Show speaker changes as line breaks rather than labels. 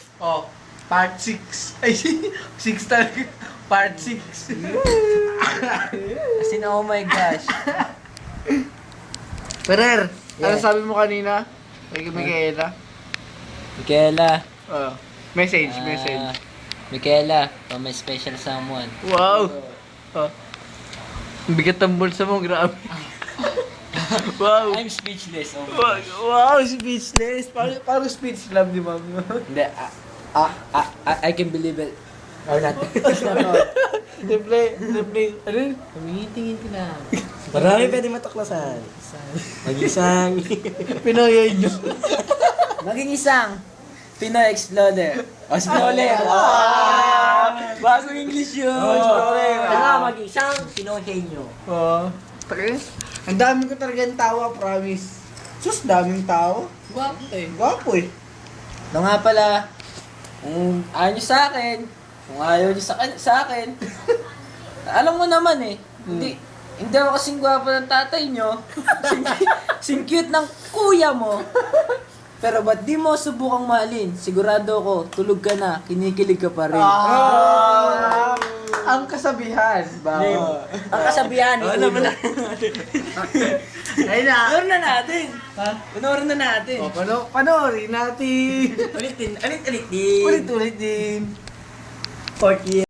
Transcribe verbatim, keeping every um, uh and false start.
Oh, part six. Ay, six talaga. Part six.
As in, oh my gosh.
Perer, ano
Yeah.
sabi mo kanina? Kay Micaela?
Michaela.
Oh, message,
ah,
message.
Michaela, for my special someone.
Wow! Oh. Ang bigat ng bulsa mo, grabe. Wow!
I'm speechless. Oh my
Wow,
gosh.
wow, speechless. Parang, parang speech love ni mami mo.
Hindi, ah, ah, ah, ah, I can believe it. Or not.
Simple, simple. Ano yun?
Tumitingin ka na.
Marami pwede matuklasan. Mag-isang.
Pinoy nyo.
Maging isang Pinoy Explorer. O, Explorer. Wow! Bagong English yun.
Oh, Explorer. Kaya mag-isang Pinoy henyo.
Oo. Taka, ang dami ko talagang tawa, promise. Sus, daming tao.
Gwapo eh.
Gwapo eh.
No nga pala, kung ayaw nyo sa akin, kung ayaw nyo sa, sa akin, alam mo naman eh, hindi, hindi ako kasing gwapo ng tatay nyo, sing, sing cute ng kuya mo, pero ba't di mo subukang mahalin? Sigurado ako, tulog ka na, kinikilig ka pa rin.
Ah, ang kasabihan. Ba?
Ang kasabihan ni
Oh, naman
Ulo.
na.
Ayun na.
Panoorin na natin.
Ha?
Panoorin na natin.
O, pano panoorin natin.
Ulitin, ulit-ulit din.
Ulit-ulit din.
Fourth year.